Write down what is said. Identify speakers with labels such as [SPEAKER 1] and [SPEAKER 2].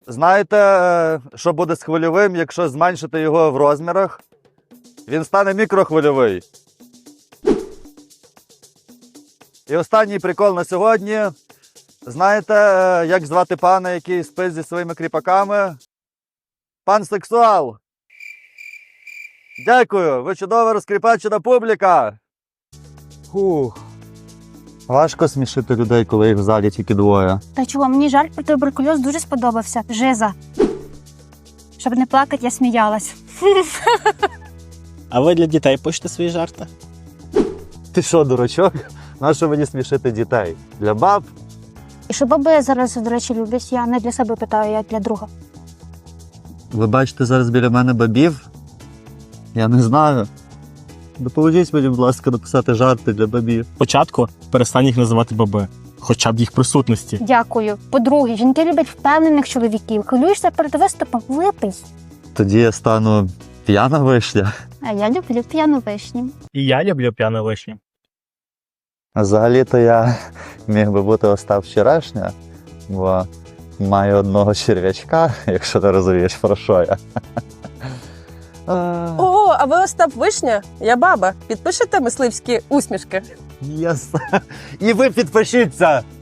[SPEAKER 1] Знаєте, що буде з хвильовим, якщо зменшити його в розмірах? Він стане мікрохвильовий. І останній прикол на сьогодні. Знаєте, як звати пана, який спить зі своїми кріпаками? Пан Сексуал. Дякую, ви чудова розкріпачена публіка. Фух. Важко смішити людей, коли їх в залі тільки двоє.
[SPEAKER 2] Та чого, мені жарт про туберкульоз дуже сподобався. Жиза. Щоб не плакати, я сміялась.
[SPEAKER 3] А ви для дітей пишете свої жарти?
[SPEAKER 1] Ти що, дурачок? Нащо мені смішити дітей? Для баб?
[SPEAKER 2] І що баби зараз, до речі, люблять, я не для себе питаю, я для друга.
[SPEAKER 1] Ви бачите зараз біля мене бабів? Я не знаю. Допоможіть мені, будь ласка, написати жарти для бабів.
[SPEAKER 3] Спочатку перестань їх називати баби, хоча б їх присутності.
[SPEAKER 2] Дякую. По-друге, жінки люблять впевнених чоловіків. Хвилюєшся перед виступом? Випий.
[SPEAKER 1] Тоді я стану п'яна вишня.
[SPEAKER 2] А я люблю п'яну вишню.
[SPEAKER 3] І я люблю п'яну вишню.
[SPEAKER 1] А взагалі-то я міг би бути Остап Вчорашня, бо маю одного черв'ячка, якщо ти розумієш, про що я.
[SPEAKER 4] Ого, а ви Остап Вишня? Я баба. Підпишете мисливські усмішки?
[SPEAKER 1] Єс. І ви підпишіться!